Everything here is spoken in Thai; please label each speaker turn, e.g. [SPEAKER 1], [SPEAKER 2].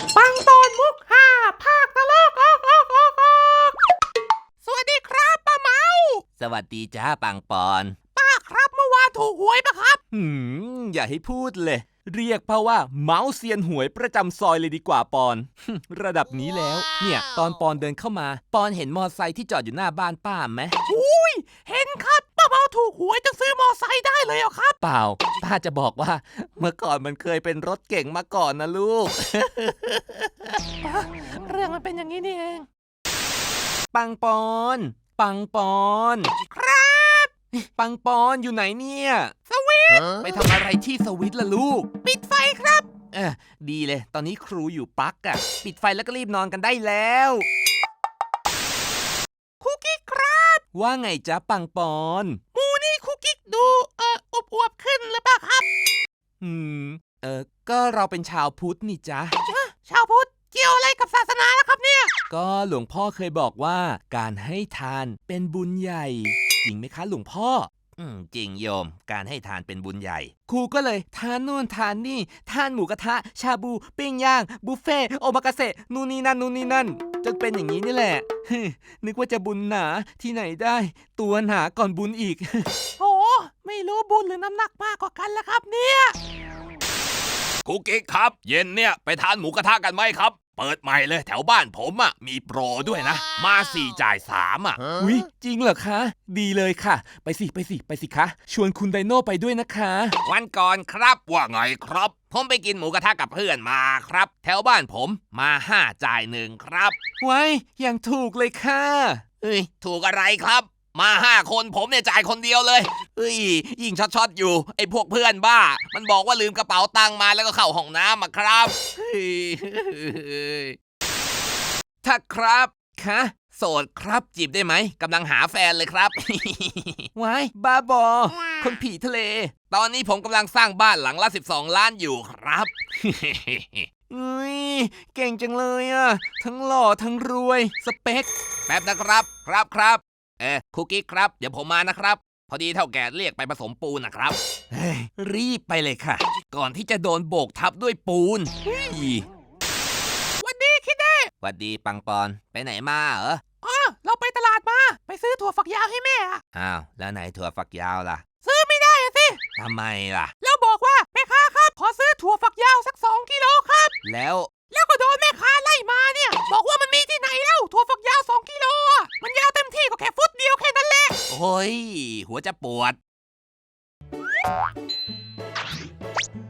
[SPEAKER 1] ปังตอนมุกห้าภาคตลกออกสวัสดีครับป้าเมา
[SPEAKER 2] สวัสดีจ้าปังปอน
[SPEAKER 1] ป้าครับเมื่อวานถูกหวยปะครับ
[SPEAKER 2] อย่าให้พูดเลย เรียกเพราะว่าเมาส์เซียนหวยประจำซอยเลยดีกว่าปอน ระดับนี้แล้ว เนี่ยตอนปอนเดินเข้ามา ปอนเห็นมอไซค์ที่จอดอยู่หน้าบ้านป้าไหม
[SPEAKER 1] อุ้ยเห็นครับป้าเมาถูกหวยจนซื้อมอไซค์ได้เลยเหรอครับ
[SPEAKER 2] เปล่า ป้าจะบอกว่า เมื่อก่อนมันเคยเป็นรถเก่งมาก่อนนะลูก
[SPEAKER 1] เรื่องมันเป็นอย่างนี้นี่เอง
[SPEAKER 2] ปังปอน ปังปอน
[SPEAKER 1] ครับ
[SPEAKER 2] ปังปอนอยู่ไหนเนี่ย
[SPEAKER 1] สวิต
[SPEAKER 2] ไปทำอะไรที่สวิตล่ะลูก
[SPEAKER 1] ปิดไฟครับ
[SPEAKER 2] ดีเลย ตอนนี้ครูอยู่ปลั๊กอะปิดไฟแล้วก็รีบนอนกันได้แล้ว
[SPEAKER 1] คุกกิ๊กครับ
[SPEAKER 2] ว่าไงจ๊ะปังปอน
[SPEAKER 1] มูนี่คุกกิ๊กดูอวบขึ้นหรือเปล่าครับ
[SPEAKER 2] อืม ก็เราเป็นชาวพุทธนี่จ๊ะ
[SPEAKER 1] ชาวพุทธเกี่ยวอะไรกับศาสนาล่ะครับเนี่ย
[SPEAKER 2] ก็หลวงพ่อเคยบอกว่า การให้ทานเป็นบุญใหญ่ จริงไหมคะหลวงพ่อ จริงโยม การให้ทานเป็นบุญใหญ่ ครูก็เลยทานนู่นทานนี่ ทานหมูกระทะ ชาบู ปิ้งย่าง บุฟเฟ่ต์โอมากาเสะนู่นนี่นั่น จนเป็นอย่างนี้นี่แหละ นึกว่าจะบุญหนาที่ไหนได้ ตัวหนาก่อนบุญอีก
[SPEAKER 1] โหไม่รู้บุญหรือน้ำหนักมากกว่ากันแล้วครับเนี่ย
[SPEAKER 3] คุกกิ๊กครับ เย็นเนี่ยไปทานหมูกระทะกันไหมครับ เปิดใหม่เลยแถวบ้านผมอ่ะมีโปรด้วยนะ มา4จ่าย3อ่ะ
[SPEAKER 2] อุ๊ยจริงเหรอคะ ดีเลยค่ะ ไปสิคะ ชวนคุณไดโน่ไปด้วยนะคะ
[SPEAKER 3] วันก่อนครับว่าไงครับ ผมไปกินหมูกระทะกับเพื่อนมาครับ แถวบ้านผมมา5จ่าย1ครับ
[SPEAKER 2] ไว้อย่างถูกเลยค่ะ
[SPEAKER 3] เอ้ยถูกอะไรครับ มา5คนผมเนี่ยจ่ายคนเดียวเลยเอ้ยยิ่งช็อตอยู่ไอ้พวกเพื่อนบ้า มันบอกว่าลืมกระเป๋าตังค์มาแล้วก็เข้าห้องน้ำอะครับเฮ้ย
[SPEAKER 2] ถ้าครับ คะ
[SPEAKER 3] โสดครับจีบได้ไหมกำลังหาแฟนเลยครับ
[SPEAKER 2] ไว้บ้าบอ คนผีทะเล
[SPEAKER 3] ตอนนี้ผมกำลังสร้างบ้านหลังละ12 ล้านอยู่ครับ
[SPEAKER 2] อุ้ยเก่งจังเลยอ่ะ ทั้งหล่อทั้งรวย สเปค
[SPEAKER 3] แป๊บนะครับครับคุกกี้ครับ เดี๋ยวผมมานะครับ พอดีเท่าแก่เรียกไปผสมปูนนะครับ
[SPEAKER 2] เฮ้ย รีบไปเลยค่ะ ก่อนที่จะโดนโบกทับด้วยปูนเฮ้ย
[SPEAKER 1] วันดีคิดเด้
[SPEAKER 2] หวัดดีปังปอน ไปไหนมาเหรอ
[SPEAKER 1] เราไปตลาดมา ไปซื้อถั่วฝักยาวให้แม่อะ
[SPEAKER 2] อ้าว แล้วไหนถั่วฝักยาวล่ะ
[SPEAKER 1] ซื้อไม่ได้อะสิ
[SPEAKER 2] ทำไมล่ะ
[SPEAKER 1] แล้วบอกว่าแม่ค้าครับ ขอซื้อถั่วฝักยาวสัก2 กิโลครับ
[SPEAKER 2] แล้ว
[SPEAKER 1] แล้วก็โดนแม่ค้าไล่มาเนี่ย บอกว่ามันมีที่ไหนแล้วถั่วฝักยาว2 กิโลอะมันยาวเต็มที่ก็แค่ฟุตเดียวแค่นั้นแหละ
[SPEAKER 3] โอ้ย หัวจะปวด